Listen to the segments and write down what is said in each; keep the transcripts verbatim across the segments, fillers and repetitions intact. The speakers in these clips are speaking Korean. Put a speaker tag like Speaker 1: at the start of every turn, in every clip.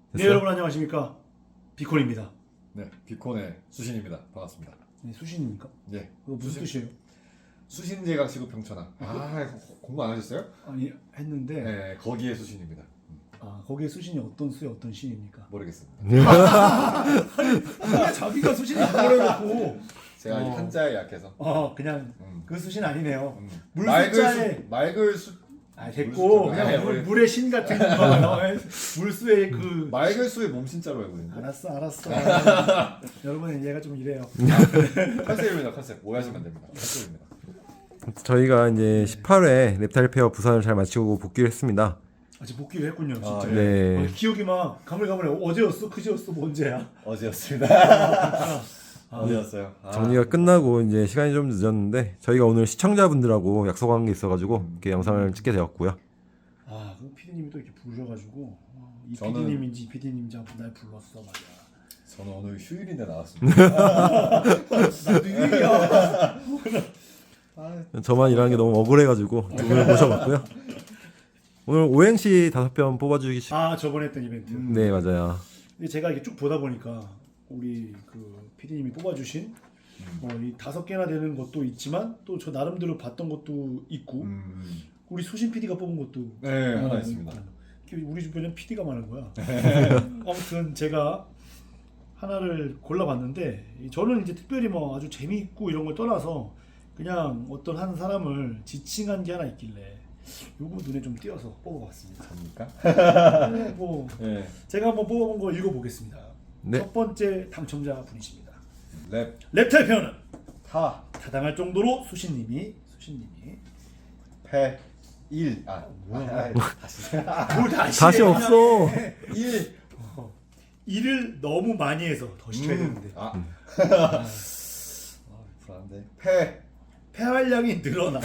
Speaker 1: 네, 여러분 안녕하십니까? 비콘입니다.
Speaker 2: 네, 비콘의 수신입니다. 반갑습니다.
Speaker 1: 네, 수신입니까?
Speaker 2: 네,
Speaker 1: 그거 무슨 뜻이에요?
Speaker 2: 수신제각 시급 평천하. 아, 공부 안 하셨어요?
Speaker 1: 아니 했는데
Speaker 2: 네, 거기에 수신입니다.
Speaker 1: 아 거기에 수신이 어떤 수의 어떤 신입니까?
Speaker 2: 모르겠습니다.
Speaker 1: 아, 자기가 수신이 뭐라고?
Speaker 2: 제가
Speaker 1: 어.
Speaker 2: 한자에 약해서.
Speaker 1: 어 그냥
Speaker 2: 음.
Speaker 1: 그 수신 아니네요.
Speaker 2: 음.
Speaker 1: 물
Speaker 2: 맑을
Speaker 1: 숫자에
Speaker 2: 수, 맑을 수,
Speaker 1: 아 됐고
Speaker 2: 물 숫자.
Speaker 1: 그냥
Speaker 2: 아니,
Speaker 1: 물,
Speaker 2: 우리-
Speaker 1: 물의 신 같은 거 어, 물수의 그
Speaker 2: 맑을 수의 몸신자로 알고 있는데.
Speaker 1: 알았어 알았어. 여러분 얘가 좀 이래요.
Speaker 2: 컨셉입니다, 컨셉. 오해하시면 안 됩니다. 컨셉입니다.
Speaker 3: 저희가 이제 십팔 회 랩타일 페어 부산을 잘 마치고 복귀를 했습니다.
Speaker 1: 아직 복귀를 했군요 진짜.
Speaker 2: 아,
Speaker 3: 네.
Speaker 1: 어, 기억이 막 가물가물해. 어제였어 그제였어 뭐 언제야?
Speaker 2: 어제였습니다.
Speaker 1: 아,
Speaker 2: 어제였어요. 아.
Speaker 3: 정리가 끝나고 이제 시간이 좀 늦었는데 저희가 오늘 시청자분들하고 약속한 게 있어가지고 이렇게 영상을 찍게 되었고요.
Speaker 1: 아, 그 피디님이 또 이렇게 부르셔가지고 어, 이
Speaker 2: 저는-
Speaker 1: 피디님인지 이 피디님인지 한번 날 불렀어 말이야.
Speaker 2: 저는 오늘 휴일인데 나왔습니다.
Speaker 1: 나도 일이야.
Speaker 2: 아,
Speaker 3: 저만 일하는 게 너무 억울해가지고 두 분을 모셔봤고요. 오늘 오행시 다섯 편 뽑아주기.
Speaker 1: 아, 저번에 했던 이벤트.
Speaker 2: 음.
Speaker 3: 네 맞아요.
Speaker 1: 근데 제가 이렇게 쭉 보다 보니까 우리 그 피디님이 뽑아주신 뭐 이 다섯 개나 되는 것도 있지만 또 저 나름대로 봤던 것도 있고
Speaker 2: 음.
Speaker 1: 우리 수신 피디가 뽑은 것도
Speaker 2: 네,
Speaker 1: 어,
Speaker 2: 하나 있습니다.
Speaker 1: 있고. 우리 주변엔 피디가 많은 거야. 아무튼 제가 하나를 골라봤는데 저는 이제 특별히 뭐 아주 재미있고 이런 걸 떠나서 그냥 어떤 한 사람을 지칭한 게 하나 있길래 요거 눈에 좀 띄어서 뽑아봤습니다.
Speaker 2: 접니까?
Speaker 1: 네, 뭐
Speaker 2: 네.
Speaker 1: 제가 한번 뽑아본 거 읽어보겠습니다.
Speaker 3: 네.
Speaker 1: 첫 번째 당첨자 분이십니다.
Speaker 2: 랩,
Speaker 1: 랩타일 표현은
Speaker 2: 타,
Speaker 1: 타당할 정도로 수신님이 수신님이
Speaker 2: 패, 일. 아,
Speaker 1: 뭐야.
Speaker 2: 아, 아, 다시.
Speaker 1: 뭘 다시
Speaker 3: 다시
Speaker 1: 해, 그냥
Speaker 3: 없어.
Speaker 1: 해.
Speaker 2: 일.
Speaker 1: 어, 일을 너무 많이 해서 더 시켜야 되는데
Speaker 2: 아,
Speaker 1: 아,
Speaker 2: 아, 불안한데. 패,
Speaker 1: 폐활량이 늘어나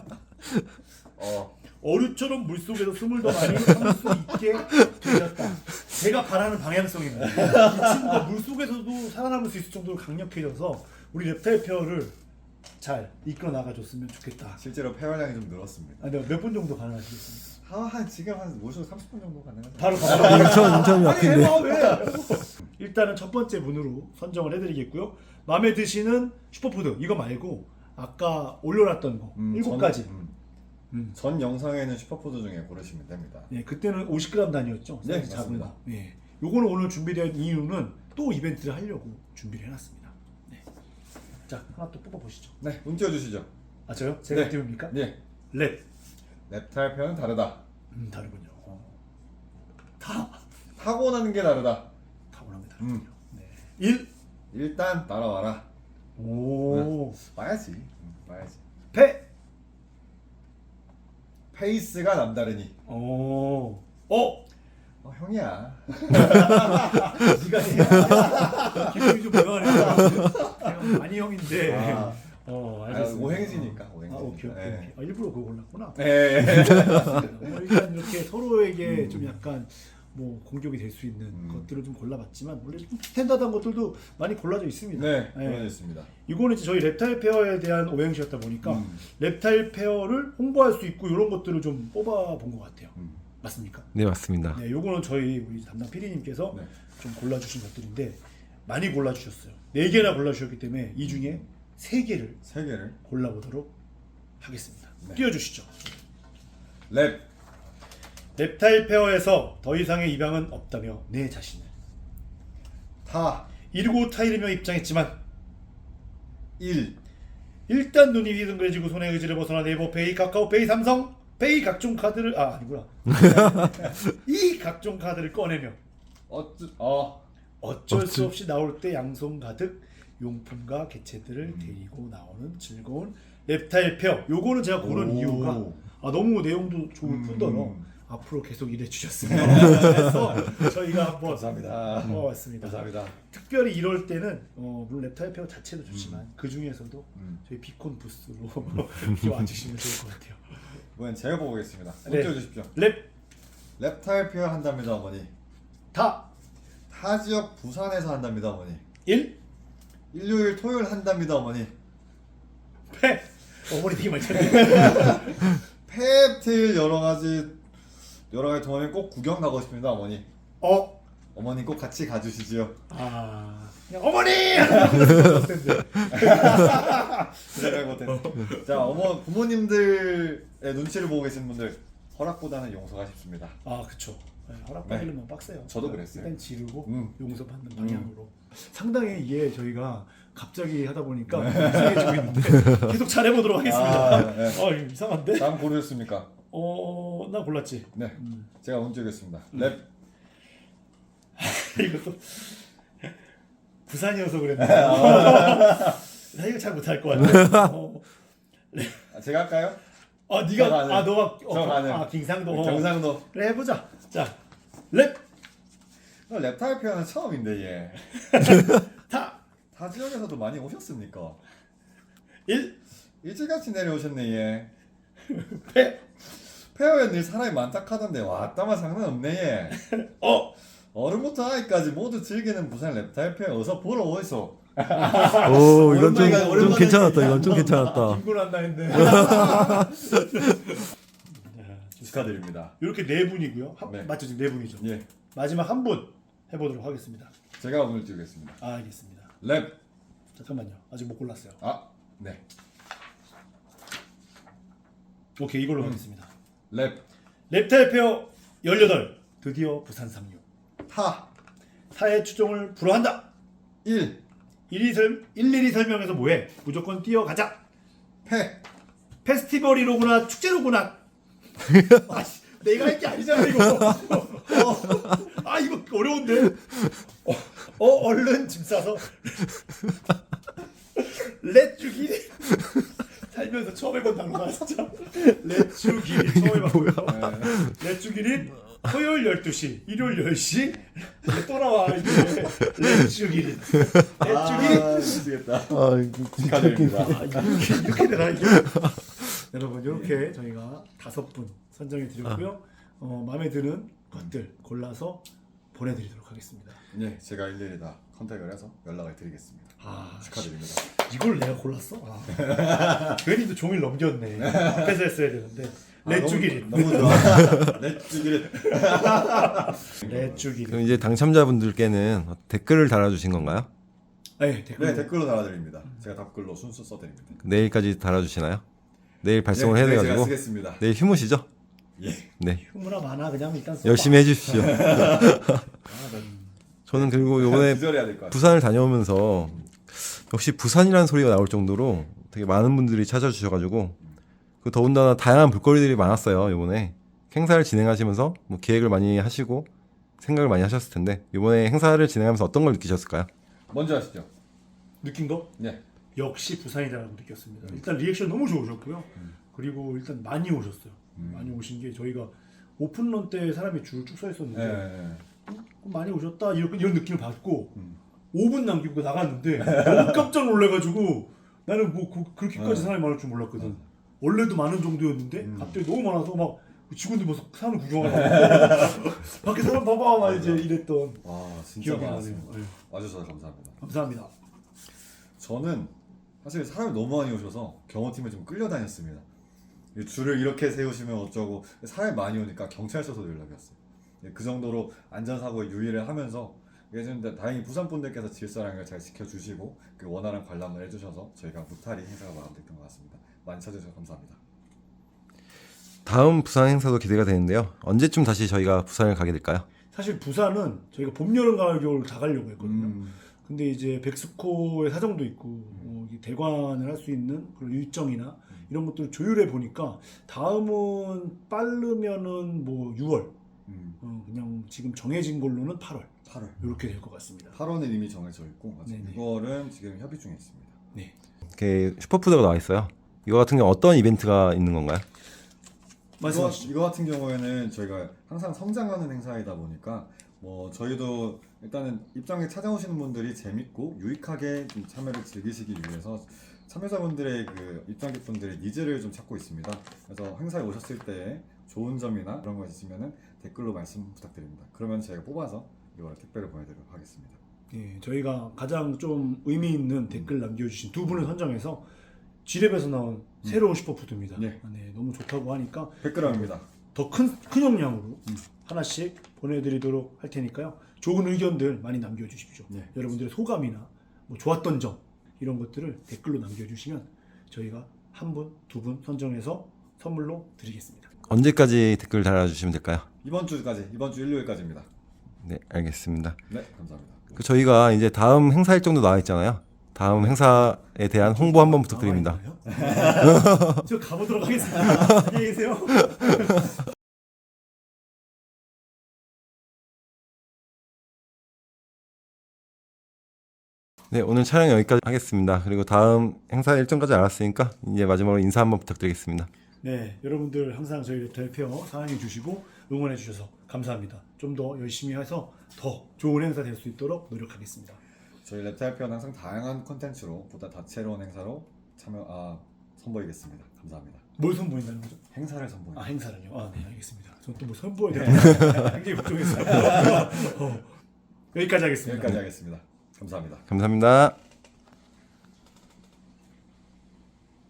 Speaker 2: 어,
Speaker 1: 어류처럼 물속에서 숨을 더 많이 참을 수 있게 되셨다. 제가 바라는 방향성입니다. 이 친구가 물속에서도 살아남을 수 있을 정도로 강력해져서 우리 랩타일 페어를 잘 이끌어 나가줬으면 좋겠다.
Speaker 2: 실제로 폐활량이 좀 늘었습니다.
Speaker 1: 아, 네, 몇 분 정도 가능하시겠습니까?
Speaker 2: 아, 한 지금 한 모셔도 삼십 분 정도 가능하죠.
Speaker 1: 바로 가보자.
Speaker 3: 인천 인천이
Speaker 1: 아니
Speaker 3: 앞인데.
Speaker 1: 해봐 왜? 일단은 첫 번째 분으로 선정을 해드리겠고요. 마음에 드시는 슈퍼푸드 이거 말고 아까 올려놨던 거
Speaker 2: 음,
Speaker 1: 일곱
Speaker 2: 전-
Speaker 1: 가지.
Speaker 2: 음,
Speaker 1: 음.
Speaker 2: 전 영상에는 슈퍼푸드 중에 고르시면 됩니다.
Speaker 1: 예, 그때는 오십 그램 단위였죠.
Speaker 2: 네,
Speaker 1: 사이즈 작은
Speaker 2: 맞습니다.
Speaker 1: 거. 예, 요거는 오늘 준비된 이유는 또 이벤트를 하려고 준비를 해놨습니다. 네. 자, 하나 또 뽑아보시죠.
Speaker 2: 네, 운 띄워주시죠.
Speaker 1: 아, 저요? 제가
Speaker 2: 네.
Speaker 1: 띄웁니까?
Speaker 2: 네,
Speaker 1: 랩.
Speaker 2: 랩타일 표현은 다르다.
Speaker 1: 음, 다르군요. 어. 다
Speaker 2: 타고나는 게 다르다.
Speaker 1: 타고나면 다르군요.
Speaker 2: 음.
Speaker 1: 네. 일.
Speaker 2: 일단 따라와라.
Speaker 1: 오.
Speaker 2: 봐야지. 음, 봐야지.
Speaker 1: 패.
Speaker 2: 페이스가 남다르니.
Speaker 1: 오. 어.
Speaker 2: 어, 형이야.
Speaker 1: 네가 해. 기분이 좀 변하네요. 제가 많이 형인데.
Speaker 2: 아,
Speaker 1: 어,
Speaker 2: 아,
Speaker 1: 알겠습니다.
Speaker 2: 오행시니까.
Speaker 1: 아,
Speaker 2: 오행시니까.
Speaker 1: 오케이, 오케이,
Speaker 2: 네.
Speaker 1: 오케이. 아, 일부러 그거 골랐구나.
Speaker 2: 네.
Speaker 1: 뭐 일단 이렇게 서로에게
Speaker 2: 음.
Speaker 1: 좀 약간 뭐 공격이 될 수 있는
Speaker 2: 음.
Speaker 1: 것들을 좀 골라봤지만 원래 좀 스탠다드한 것들도 많이 골라져 있습니다.
Speaker 2: 네,
Speaker 1: 네.
Speaker 2: 보내주셨습니다.
Speaker 1: 이거는 이제 저희 랩타일 페어에 대한 오행시였다 보니까
Speaker 2: 음.
Speaker 1: 랩타일 페어를 홍보할 수 있고 이런 것들을 좀 뽑아본 것 같아요.
Speaker 2: 음.
Speaker 1: 맞습니까?
Speaker 3: 네 맞습니다.
Speaker 1: 네, 요거는 저희 우리 담당 피디님께서
Speaker 2: 네.
Speaker 1: 좀 골라주신 것들인데 많이 골라주셨어요. 네 개나 골라주셨기 때문에 이 중에 세 개를
Speaker 2: 세 개를.
Speaker 1: 골라보도록 하겠습니다.
Speaker 2: 네.
Speaker 1: 띄워주시죠.
Speaker 2: 랩,
Speaker 1: 랩타일 페어에서 더 이상의 입양은 없다며 내 자신을
Speaker 2: 타,
Speaker 1: 이르고 타이르며 입장했지만
Speaker 2: 일.
Speaker 1: 일단 눈이 휘둥그레지고 손의 의지를 벗어나 네이버 페이, 카카오페이, 삼성 페이 각종 카드를 아 아니구나 이 각종 카드를 꺼내며
Speaker 2: 어쩌, 어,
Speaker 1: 어쩔 수
Speaker 3: 어찌-
Speaker 1: 없이 나올 때 양손 가득 용품과 개체들을 데리고 나오는 즐거운 랩타일 페어. 요거는 제가 고른
Speaker 2: 오.
Speaker 1: 이유가 아, 너무 내용도 좋을
Speaker 2: 음.
Speaker 1: 뿐더러 앞으로 계속 일해 주셨으면 그래서 저희가 한번
Speaker 2: 감사합니다.
Speaker 1: 뽑아봤습니다.
Speaker 2: 감사합니다.
Speaker 1: 특별히 이럴 때는 어, 물론 랩타일 페어 자체도 좋지만 그 중에서도
Speaker 2: 음.
Speaker 1: 저희 비콘 부스로 이렇게 와주시면 좋을 것 같아요.
Speaker 2: 이번엔 제가 보겠습니다. 운
Speaker 1: 네.
Speaker 2: 띄워주십시오.
Speaker 1: 랩
Speaker 2: 랩타일 표현 한답니다, 어머니.
Speaker 1: 다
Speaker 2: 타 지역 부산에서 한답니다, 어머니.
Speaker 1: 일
Speaker 2: 일요일 토요일 한답니다, 어머니.
Speaker 1: 패 어머니 되게 많이 찾네.
Speaker 2: 펩틸 여러 가지 여러 가지 동아리 꼭 구경 가고 싶습니다, 어머니.
Speaker 1: 어
Speaker 2: 어머님 꼭 같이 가주시지요.
Speaker 1: 아 그냥 어머니!
Speaker 2: 생각 못했네. 자, 어머 부모님들의 눈치를 보고 계신 분들 허락보다는 용서가 쉽습니다.
Speaker 1: 아 그쵸. 네, 허락받으려면 네. 빡세요.
Speaker 2: 저도 그랬어요.
Speaker 1: 일단 지르고
Speaker 2: 음.
Speaker 1: 용서받는
Speaker 2: 음.
Speaker 1: 방향으로. 상당히 이게 저희가 갑자기 하다 보니까 이상해지고 있는데 계속 잘해보도록 하겠습니다.
Speaker 2: 아, 네.
Speaker 1: 어 이거 이상한데?
Speaker 2: 다음 고르셨습니까?
Speaker 1: 어, 나 골랐지.
Speaker 2: 네,
Speaker 1: 음.
Speaker 2: 제가 먼저 하겠습니다. 랩.
Speaker 1: 이것도 부산이어서 그랬나? 나 이거 잘 못할 것 같아. 어.
Speaker 2: 아, 제가 할까요?
Speaker 1: 아 네가
Speaker 2: 저 가능.
Speaker 1: 아 너가 어,
Speaker 2: 저 가능.
Speaker 1: 아 경상도 어.
Speaker 2: 경상도.
Speaker 1: 그래 해보자. 자 랩.
Speaker 2: 어, 랩타일 표현은 처음인데 얘.
Speaker 1: 타.
Speaker 2: 타 지역에서도 많이 오셨습니까?
Speaker 1: 일.
Speaker 2: 일찌같이 내려오셨네 얘.
Speaker 1: 패.
Speaker 2: 페어에 늘 사람이 많다 카던데 왔다만 장난 없네 얘.
Speaker 1: 어.
Speaker 2: 어른부터 아이까지 모두 즐기는 부산 랩타일 페어 어서 보러 오이소.
Speaker 3: 오 이건 좀,
Speaker 2: 오랜만에-
Speaker 3: 좀
Speaker 2: 오랜만에
Speaker 3: 괜찮았다. 이건 좀 괜찮았다.
Speaker 1: 김구란다 했는데.
Speaker 2: 축하드립니다.
Speaker 1: 이렇게 네 분이고요. 한,
Speaker 2: 네.
Speaker 1: 맞죠 지금 네 분이죠.
Speaker 2: 예,
Speaker 1: 마지막 한 분 해보도록 하겠습니다.
Speaker 2: 제가 오늘 드리겠습니다.
Speaker 1: 아, 알겠습니다.
Speaker 2: 랩.
Speaker 1: 잠깐만요. 아직 못 골랐어요.
Speaker 2: 아, 네.
Speaker 1: 오케이 이걸로 하겠습니다.
Speaker 2: 랩.
Speaker 1: 랩타일 페어 열여덟 드디어 부산 상륙.
Speaker 2: 타.
Speaker 1: 타의 추종을 불허한다.
Speaker 2: 일.
Speaker 1: 일일이, 설, 일일이 설명해서 뭐해? 무조건 뛰어가자.
Speaker 2: 패.
Speaker 1: 페스티벌이로구나 축제로구나. 아씨, 내가 할 게 아니잖아 이거. 어, 아 이거 어려운데. 어, 어 얼른 짐 싸서 렛주기리 살면서 처음 해본 단어가 진짜 렛주기리 처음 해봤고요. 렛주기리 토요일 열두 시, 일요일 열 시 또 나와 이게 렛주기리. 렛주기리.
Speaker 2: 아, 미치겠다.
Speaker 3: 아 이거
Speaker 2: 축하드립니다.
Speaker 1: 아, 이렇게, 이렇게 되나 이게? 여러분 이렇게 저희가 다섯 분 선정해 드렸고요. 어, 마음에 드는 것들 골라서 보내드리도록 하겠습니다.
Speaker 2: 네, 제가 일일이 다 컨택을 해서 연락을 드리겠습니다.
Speaker 1: 아,
Speaker 2: 축하드립니다.
Speaker 1: 이걸 내가 골랐어? 아. 괜히 또 종일 넘겼네. 앞에서 했어야 되는데. 렛주기리.
Speaker 2: 아, 너무, 너무 좋아. 렛주기리.
Speaker 1: 렛주기리.
Speaker 3: 그럼 이제 당첨자분들께는 댓글을 달아주신 건가요?
Speaker 1: 네, 댓글.
Speaker 2: 네, 댓글로 달아드립니다. 제가 답글로 순수 써드립니다.
Speaker 3: 내일까지 달아주시나요? 내일 발송을
Speaker 2: 네,
Speaker 3: 해야
Speaker 2: 네, 제가
Speaker 3: 돼가지고
Speaker 2: 쓰겠습니다.
Speaker 3: 내일 휴무시죠?
Speaker 2: 예.
Speaker 3: 네
Speaker 1: 휴무나 많아 그냥 일단 써봐.
Speaker 3: 열심히 해주십시오.
Speaker 1: 아, 난
Speaker 3: 저는 그리고 이번에
Speaker 2: 기절해야 될 것 같아요.
Speaker 3: 부산을 다녀오면서 역시 부산이라는 소리가 나올 정도로 되게 많은 분들이 찾아주셔가지고 그 더군다나 다양한 볼거리들이 많았어요. 이번에 행사를 진행하시면서 뭐 기획을 많이 하시고 생각을 많이 하셨을 텐데 이번에 행사를 진행하면서 어떤 걸 느끼셨을까요?
Speaker 2: 먼저 하시죠.
Speaker 1: 느낀 거?
Speaker 2: 네.
Speaker 1: 역시 부산이다라고 느꼈습니다. 일단 리액션 너무 좋으셨고요. 그리고 일단 많이 오셨어요.
Speaker 2: 음.
Speaker 1: 많이 오신 게 저희가 오픈런 때 사람이 줄 쭉 서 있었는데
Speaker 2: 네.
Speaker 1: 많이 오셨다 이런, 이런 느낌을 받고
Speaker 2: 음.
Speaker 1: 오 분 남기고 나갔는데 너무 깜짝 놀래가지고 나는 뭐 그, 그렇게까지
Speaker 2: 네.
Speaker 1: 사람이 많을 줄 몰랐거든.
Speaker 2: 음.
Speaker 1: 원래도 많은 정도였는데
Speaker 2: 음.
Speaker 1: 갑자기 너무 많아서 막 직원들 뭐 사람 구경하고 밖에 사람 봐봐 막 이제 이랬던
Speaker 2: 와, 진짜
Speaker 1: 기억이 나네요.
Speaker 2: 많았습니다.
Speaker 1: 네.
Speaker 2: 와주셔서 감사합니다.
Speaker 1: 감사합니다.
Speaker 2: 저는 사실 사람이 너무 많이 오셔서 경호팀에 좀 끌려다녔습니다. 이 줄을 이렇게 세우시면 어쩌고 사람이 많이 오니까 경찰서도 연락이 왔어요. 예, 그 정도로 안전사고에 유의를 하면서 예전에 다행히 부산 분들께서 질서랑을 잘 지켜주시고 그 원활한 관람을 해주셔서 저희가 무탈히 행사가 마감됐던 것 같습니다. 많이 찾아주셔서 감사합니다.
Speaker 3: 다음 부산 행사도 기대가 되는데요. 언제쯤 다시 저희가 부산을 가게 될까요?
Speaker 1: 사실 부산은 저희가 봄, 여름, 가을, 겨울 다 가려고 했거든요.
Speaker 2: 음,
Speaker 1: 근데 이제 백스코의 사정도 있고 어, 이 대관을 할 수 있는 그런 일정이나 이런 것들을 조율해 보니까 다음은 빠르면은 뭐 유월
Speaker 2: 음,
Speaker 1: 어, 그냥 지금 정해진 걸로는 팔월
Speaker 2: 팔월.
Speaker 1: 이렇게 될 것 같습니다.
Speaker 2: 팔월은 이미 정해져 있고 아직
Speaker 1: 네네.
Speaker 2: 유월은 지금 협의 중에 있습니다.
Speaker 1: 네.
Speaker 3: 이렇게 슈퍼푸드가 나와 있어요. 이거 같은 경우 어떤 이벤트가 있는 건가요?
Speaker 2: 이거,
Speaker 1: 말씀하시죠.
Speaker 2: 이거 같은 경우에는 저희가 항상 성장하는 행사이다 보니까 뭐 저희도 일단은 입장에 찾아오시는 분들이 재밌고 유익하게 좀 참여를 즐기시기 위해서 참여자분들의 그 입장객분들의 니즈를 좀 찾고 있습니다. 그래서 행사에 오셨을 때 좋은 점이나 그런 거 있으면은 댓글로 말씀 부탁드립니다. 그러면 저희가 뽑아서 이걸 택배를 보내드리도록 하겠습니다.
Speaker 1: 예, 저희가 가장 좀 의미 있는 댓글 남겨주신 두 분을 선정해서 지랩에서 나온 새로운 슈퍼푸드입니다.
Speaker 2: 네.
Speaker 1: 아, 네, 너무 좋다고 하니까
Speaker 2: 백 그램입니다.
Speaker 1: 더 큰 큰 용량으로 하나씩 보내드리도록 할 테니까요. 좋은 의견들 많이 남겨주십시오.
Speaker 2: 네.
Speaker 1: 여러분들의 소감이나 뭐 좋았던 점 이런 것들을 댓글로 남겨주시면 저희가 한 분, 두 분 선정해서 선물로 드리겠습니다.
Speaker 3: 언제까지 댓글 달아주시면 될까요?
Speaker 2: 이번 주까지 이번 주 일요일까지입니다.
Speaker 3: 네, 알겠습니다.
Speaker 2: 네, 감사합니다.
Speaker 3: 그 저희가 이제 다음 행사 일정도 나와 있잖아요. 다음 행사에 대한 홍보 한번 부탁드립니다.
Speaker 1: 저 가보도록 하겠습니다. 안녕히 계세요.
Speaker 3: 네, 오늘 촬영 여기까지 하겠습니다. 그리고 다음 행사 일정까지 알았으니까 이제 마지막으로 인사 한번 부탁드리겠습니다.
Speaker 1: 네, 여러분들 항상 저희 랩타일페어 사랑해 주시고 응원해 주셔서 감사합니다. 좀 더 열심히 해서 더 좋은 행사 될 수 있도록 노력하겠습니다.
Speaker 2: 저희 랩타일편 항상 다양한 콘텐츠로 보다 다채로운 행사로 참여 아 선보이겠습니다. 감사합니다.
Speaker 1: 뭘 선보인다는 거죠?
Speaker 2: 행사를 선보입니다.
Speaker 1: 아, 행사는요? 아, 네, 알겠습니다. 저는 또뭐 선보여야 되나 굉장히 걱정했어요. 어, 여기까지 하겠습니다.
Speaker 2: 여기까지 하겠습니다. 감사합니다.
Speaker 3: 감사합니다.